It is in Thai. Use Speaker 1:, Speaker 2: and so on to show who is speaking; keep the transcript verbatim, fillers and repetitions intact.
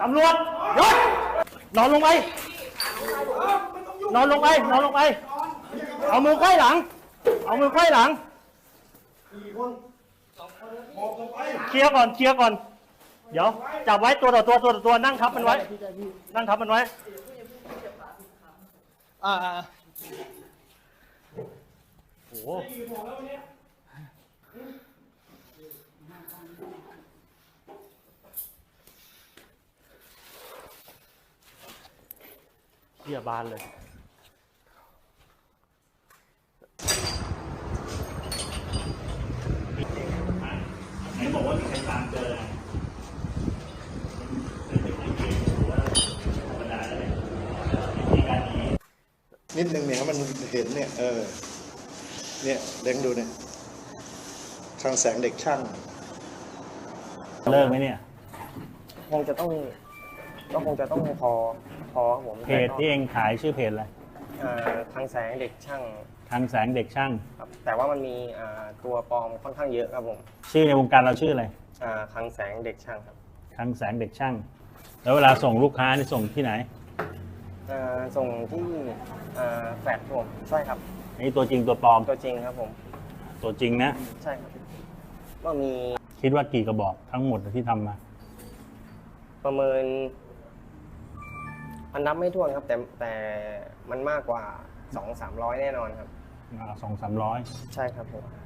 Speaker 1: ตำรวจหยุดนอนลงไปนอนลงไปนอนลงไปเอามือไขว้หลังเอามือไขว้หลังเคลียร์ก่อนเคลียร์ก่อนเดี๋ยวจับไว้ตัวต่อตัวตัวต่อตัวนั่งทับมันไว้นั่งทับมันไว้อ่าโอ้โหเหี้ยบานเลยไหนบอกว่ามีใครตามเจอ
Speaker 2: นิดนึงเนี่ยมันเห็นเนี่ยเออเนี่ยเด้งดูเนี่ยคลังแสงเด็กช่าง
Speaker 1: เลิกไหมเนี่ย
Speaker 3: คงจะต้องก็คงจะต้องพอพอครับผม
Speaker 1: เพจที่เองขายชื่อเพจอะไร
Speaker 3: คลังแสงเด็กช่าง
Speaker 1: คลังแสงเด็กช่าง
Speaker 3: ครับแต่ว่ามันมีตัวปลอมค่อนข้างเยอะครับผม
Speaker 1: ชื่อในวงการเราชื่ออะไร
Speaker 3: คลังแสงเด็กช่างครับ
Speaker 1: คลังแสงเด็กช่างแล้วเวลาส่งลูกค้านี่ส่งที่ไหน
Speaker 3: ส่งที่แฟลตผมใช่ครับ
Speaker 1: นี่ตัวจริงตัวปลอม
Speaker 3: ตัวจริงครับผม
Speaker 1: ตัวจริงนะ
Speaker 3: ใช่ครับว่ามี
Speaker 1: คิดว่ากี่กระบอกทั้งหมดที่ทำมา
Speaker 3: ประเมินมันนับไม่ถ้วนครับแต่แต่มันมากกว่าสองสามร้อยแน่นอนครับ
Speaker 1: สองสามร้อย
Speaker 3: ใช่ครับผม